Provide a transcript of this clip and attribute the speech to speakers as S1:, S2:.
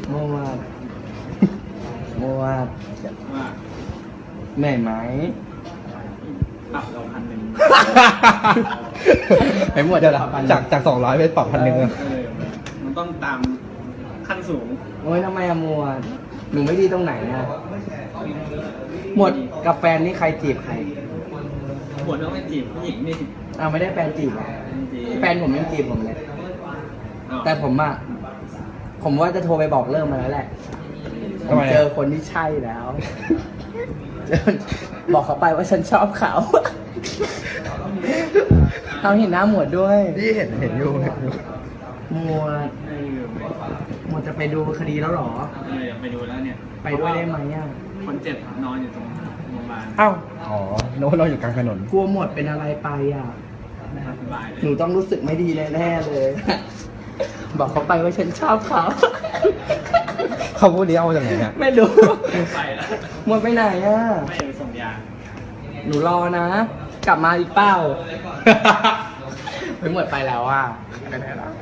S1: หมวดหมวด
S2: ว่า
S1: เหนื่อยไหม
S2: ปรับเรา1,000
S3: ไอ้หมวดเดี๋ยวละจาก200เป็นปรับ1,000
S2: มันต้องตามขั้นสูง
S1: โอ้ยทำไมอะหมวดหนูไม่ดีตรงไหนอะหมวดกับแฟนนี่ใครจีบใคร
S2: หัวต้องไปจีบผู้หญิงนี่
S1: อ้าวไม่ได้แฟนจีบเหรอแฟนผมยังจีบผมเลย แต่ผมอะผมว่าจะโทรไปบอกเลิกมาแล้วแหละผ
S3: ทำ
S1: ม
S3: ไมอะ
S1: เจอคนที่ใช่แล้ว เจอบอกเขาไปว่าฉันชอบเขาเขาเห็นหน้าหมวดด้วย
S3: นี่เห็นอยู่
S1: หมวดหมวดจะไปดูคดีแล้วเหรอ
S2: อยากไปดูแล้วเนี่ย
S1: ไปด้วยได้ไหมอะ
S2: คนเจ็บนอนอยู่ตรงโรงพยาบาล
S3: อ้าวอ๋อโน้ตเราอยู่กลางถนน
S1: กลัวหมวดเป็นอะไรไปอะ
S2: สบายเล
S1: หนู
S2: ย
S1: ต้องรู้สึกไม่ดีแน่ๆเลย บอกเขาไปว่าฉันชอบเขา
S3: เขาพูดนี้เอามาจากไหนเนี่ย
S1: ไม่รู้
S2: ไปแล้ว
S1: หมวดไปไหนอะ
S2: ไม่ไปส่งยา
S1: หนูรอนะ กลับมาอีกเป้า ไปหมดไปแล้วอ่ะไปไหนแล้ว